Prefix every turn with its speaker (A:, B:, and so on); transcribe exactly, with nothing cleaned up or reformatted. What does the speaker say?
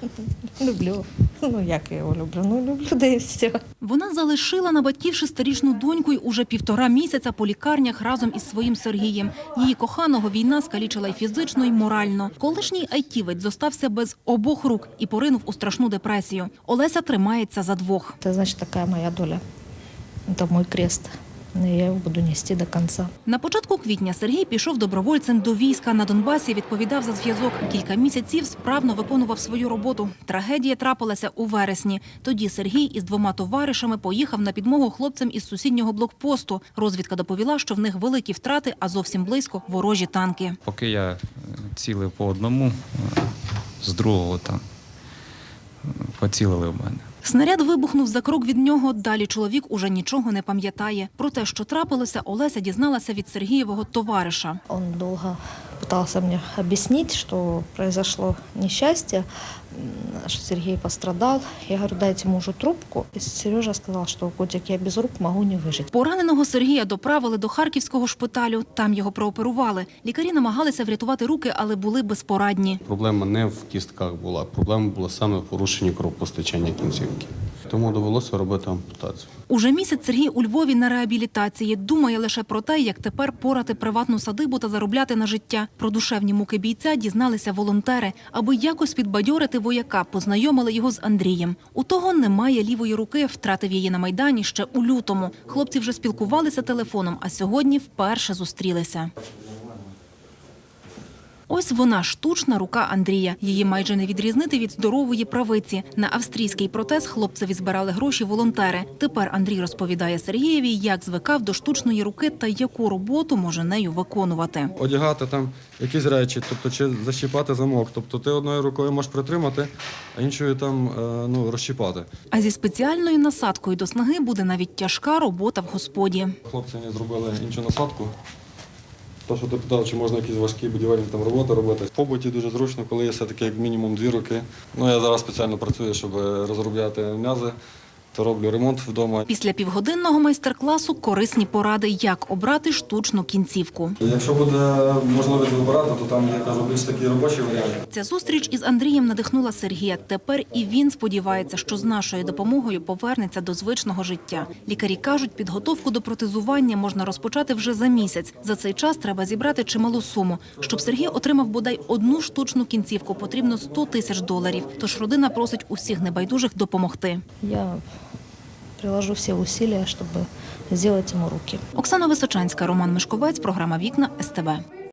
A: Люблю. Ну, як я його люблю? Ну, люблю, да і все.
B: Вона залишила на батьків шестирічну доньку й уже півтора місяця по лікарнях разом із своїм Сергієм. Її коханого війна скалічила й фізично, й морально. Колишній айтівець зостався без обох рук і поринув у страшну депресію. Олеся тримається за двох.
A: Це, значить, така моя доля. Це мій крест. Я його буду нести до кінця.
B: На початку квітня Сергій пішов добровольцем до війська. На Донбасі відповідав за зв'язок. Кілька місяців справно виконував свою роботу. Трагедія трапилася у вересні. Тоді Сергій із двома товаришами поїхав на підмогу хлопцям із сусіднього блокпосту. Розвідка доповіла, що в них великі втрати, а зовсім близько – ворожі танки.
C: Поки я цілив по одному, з другого там поцілили в мене.
B: Снаряд вибухнув за крок від нього. Далі чоловік уже нічого не пам'ятає. Про те, що трапилося, Олеся дізналася від Сергієвого товариша.
A: Він довго намагався мені об'яснити, що произошло нещастя, що Сергій пострадав. Я говорю, дайте мужу трубку. І Сережа сказав, що котик, я без рук можу не вижити.
B: Пораненого Сергія доправили до харківського шпиталю. Там його прооперували. Лікарі намагалися врятувати руки, але були безпорадні.
D: Проблема не в кістках була. Проблема була саме в порушенні кровопостачання кінцівки. Тому довелося робити ампутацію.
B: Уже місяць Сергій у Львові на реабілітації. Думає лише про те, як тепер порати приватну садибу та заробляти на життя. Про душевні муки бійця дізналися волонтери. Аби якось підбадьорити вояка, познайомили його з Андрієм. У того немає лівої руки, втратив її на Майдані ще у лютому. Хлопці вже спілкувалися телефоном, а сьогодні вперше зустрілися. Ось вона, штучна рука Андрія. Її майже не відрізнити від здорової правиці. На австрійський протез хлопцеві збирали гроші волонтери. Тепер Андрій розповідає Сергієві, як звикав до штучної руки та яку роботу може нею виконувати.
E: Одягати там якісь речі, тобто чи защіпати замок. Тобто ти одною рукою можеш притримати, а іншою там ну, розщіпати.
B: А зі спеціальною насадкою до снаги буде навіть тяжка робота в господі.
E: Хлопці мені зробили іншу насадку. То, що ти питав, чи можна якісь важкі будівельні там роботи робити. В побуті дуже зручно, коли є все-таки як мінімум дві руки. Ну, я зараз спеціально працюю, щоб розробляти м'язи, то роблю ремонт вдома.
B: Після півгодинного майстер-класу корисні поради, як обрати штучну кінцівку.
E: Якщо буде можливість вибирати, то там є, кажу, більш такі робочі варіанти.
B: Ця зустріч із Андрієм надихнула Сергія. Тепер і він сподівається, що з нашою допомогою повернеться до звичного життя. Лікарі кажуть, підготовку до протезування можна розпочати вже за місяць. За цей час треба зібрати чималу суму. Щоб Сергій отримав бодай одну штучну кінцівку, потрібно сто тисяч доларів. Тож родина просить усіх небайдужих допомогти.
A: Я приложу всі зусилля, щоб зробити йому руки.
B: Оксана Височанська, Роман Мишковець, програма «Вікна», ес те бе.